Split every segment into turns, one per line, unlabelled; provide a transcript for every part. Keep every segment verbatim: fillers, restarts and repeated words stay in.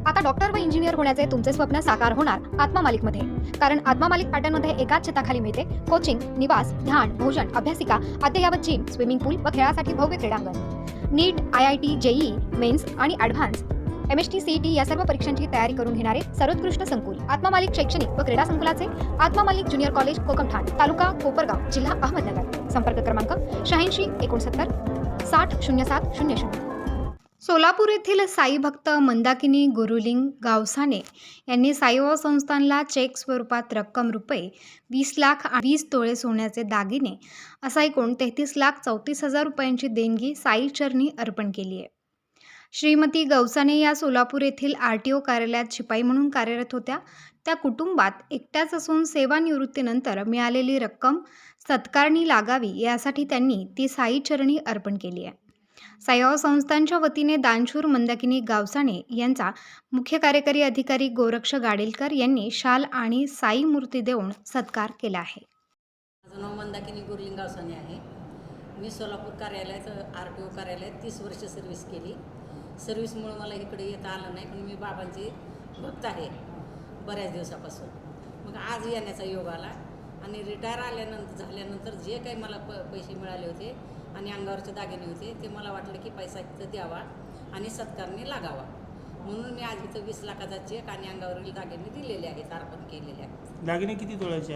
आता डॉक्टर व इंजिनियर होण्याचे तुमचे स्वप्न साकार होणार आत्मा मालिकमध्ये. कारण आत्मा मालिक पॅटर्नमध्ये एकाच छताखाली मिळते कोचिंग, निवास, ध्यान, भोजन, अभ्यासिका, अद्ययावत जिम, स्विमिंग पूल व खेळासाठी भव्य क्रीडांगण. NEET, I I T, JEE, mains आणि advance M S T C E T या सर्व परीक्षांची तयारी करून घेणारे सर्वोत्कृष्ट संकुल आत्मा मालिक शैक्षणिक व क्रीडा संकुलाचे आत्मा मालिक ज्युनियर कॉलेज कोकमठाण, तालुका कोपरगाव, जिल्हा अहमदनगर. संपर्क क्रमांक शहाऐंशी एकोणसत्तर साठ शून्य सात शून्य शून्य. सोलापूर येथील साई भक्त मंदाकिनी गुरुलिंग गावसाने यांनी साईबाबा संस्थानला चेक स्वरूपात रक्कम रुपये वीस लाख वीस तोळे सोन्याचे दागिने असा एकूण तेहतीस लाख चौतीस हजार रुपयांची देणगी साई चरणी अर्पण केली आहे. श्रीमती गवसाने या सोलापूर येथील आर टी ओ कार्यालयात शिपाई म्हणून कार्यरत होत्या. त्या कुटुंबात एकट्याच असून सेवानिवृत्तीनंतर मिळालेली रक्कम सत्कारणी लागावी यासाठी त्यांनी ती साई चरणी अर्पण केली आहे. साईबाबा संस्थानच्या वतीने दानशूर मंदाकिनी गावसाने यांचा मुख्य कार्यकारी अधिकारी गोरक्ष गाडेलकर यांनी शाल आणि साई मूर्ती देऊन सत्कार केला आहे.
माझं नाव मंदाकिनी गुरुलिंग गावसाने आहे. मी सोलापूर कार्यालयात आर टी ओ कार्यालयात तीस वर्ष सर्व्हिस केली. सर्व्हिसमुळं मला इकडे येता आलं नाही, पण मी बाबांचे भक्त आहे बऱ्याच दिवसापासून. मग आज येण्याचा योग आला आणि रिटायर आल्यानंतर झाल्यानंतर जे काही मला प पैसे मिळाले होते आणि अंगावरचे दागिने होते ते मला वाटलं की पैसा इथं द्यावा आणि सत्कारने लागावा, म्हणून मी आज इथं वीस लाखाचा चेक आणि अंगावरील दागिने दिलेले आहेत, अर्पण केलेले आहेत.
दागिने किती तोळ्याचे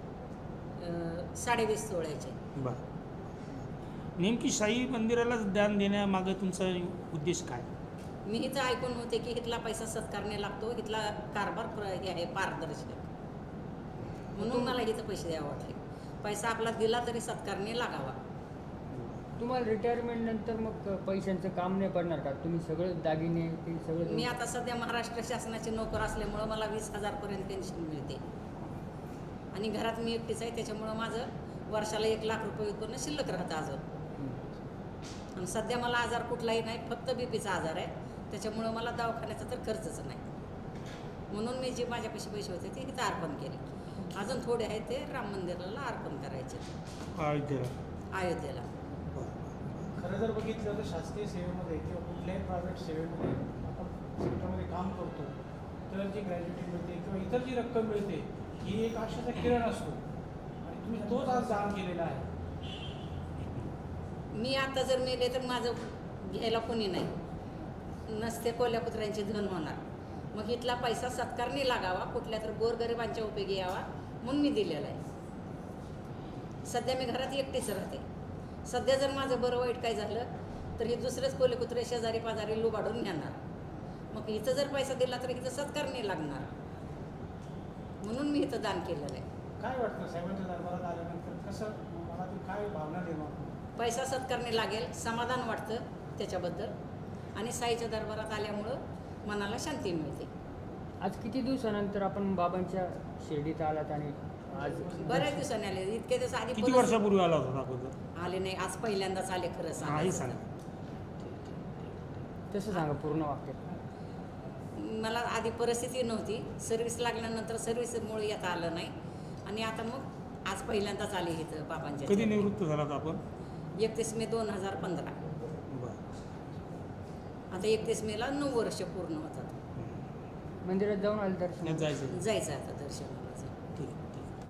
आहेत?
साडेवीस तोळ्याचे.
बरं. नेमकी साई मंदिरालाच दान देण्यामागे तुमचा उद्देश काय?
मी इथं ऐकून होते की इथला पैसा सत्कारने लागतो, इथला कारभार प्र हे आहे पारदर्शक, म्हणून मला इथं पैसे द्यावे वाटले. पैसा आपला दिला तरी सत्कारने लागावा.
तुम्हाला रिटायरमेंट नंतर मग पैशांचं काम नाही पडणार का? तुम्ही सगळं दागिने ते सगळं?
मी आता सध्या महाराष्ट्र शासनाचे नोकर असल्यामुळं मला वीस हजारपर्यंत पेन्शन मिळते आणि घरात मी एकटीच आहे, त्याच्यामुळं माझं वर्षाला एक लाख रुपये उत्पन्न शिल्लक राहतं अजून. आणि सध्या मला आजार कुठलाही नाही, फक्त बी पीचा आजार आहे, त्याच्यामुळं मला दवाखान्याचा तर खर्चच नाही, म्हणून मी जे माझ्यापाशी पैसे होते ते इथं अर्पण केले. अजून थोडे आहे ते राम मंदिराला अर्पण करायचे
अयोध्येला.
अयोध्येला.
खरं जर बघितलं तर शासकीय सेवेमध्ये किंवा कुठल्याही प्रायव्हेट सेवेमध्ये आपण सेक्टरमध्ये काम करतो तर जी ग्रॅज्युटी मिळते किंवा इतर जी रक्कम मिळते ही एक आशेचा किरण असतो आणि तुम्ही तोच आज दान केलेला आहे.
मी आता जर मेले तर माझं घ्यायला कोणी नाही, नसते कोल्या कुत्र्यांचे धन होणार. मग इथला पैसा सत्कारने लागावा, कुठल्या तर गोरगरिबांच्या उपयोगी यावा, म्हणून मी दिलेला आहे. सध्या मी घरात एकटीच राहते. सध्या जर माझं बरं वाईट काय झालं तर हे दुसरेच कोले कुत्रे शेजारी पाजारी लुबाडून नेणार. मग इथं जर पैसा दिला तर इथं सत्कारने लागणार, म्हणून मी इथं दान केलेलं आहे.
काय वाटतं साहेबांच्या दरबारात आल्यानंतर कसं मनातून काय भावना निर्माण?
पैसा सत्कारने लागेल, समाधान वाटतं त्याच्याबद्दल, आणि साईच्या दरबारात आल्यामुळं मनाला शांती मिळते.
आज किती दिवसानंतर आपण बाबांच्या शिर्डीत आलात आणि आज
बऱ्याच दिवसांनी आले. इतके दिवस आधी
किती वर्षापूर्वी आला होता अगोदर?
आले नाही, आज पहिल्यांदाच आले. खरं
नाही
सांगा,
सांगा.
तसं सांगा पूर्ण वाक्य.
मला आधी परिस्थिती नव्हती, सर्व्हिस लागल्यानंतर सर्व्हिसमुळे येता आलं नाही आणि आता मग आज पहिल्यांदाच आले इथं बाबांच्या.
कधी निवृत्त झालात आपण?
एकतीस मे दोन हजार पंधरा. आता एकतीस मेला नऊ वर्ष पूर्ण होतात.
मंदिरात जाऊन आले दर्शन?
जायचं
जायचं आता दर्शन.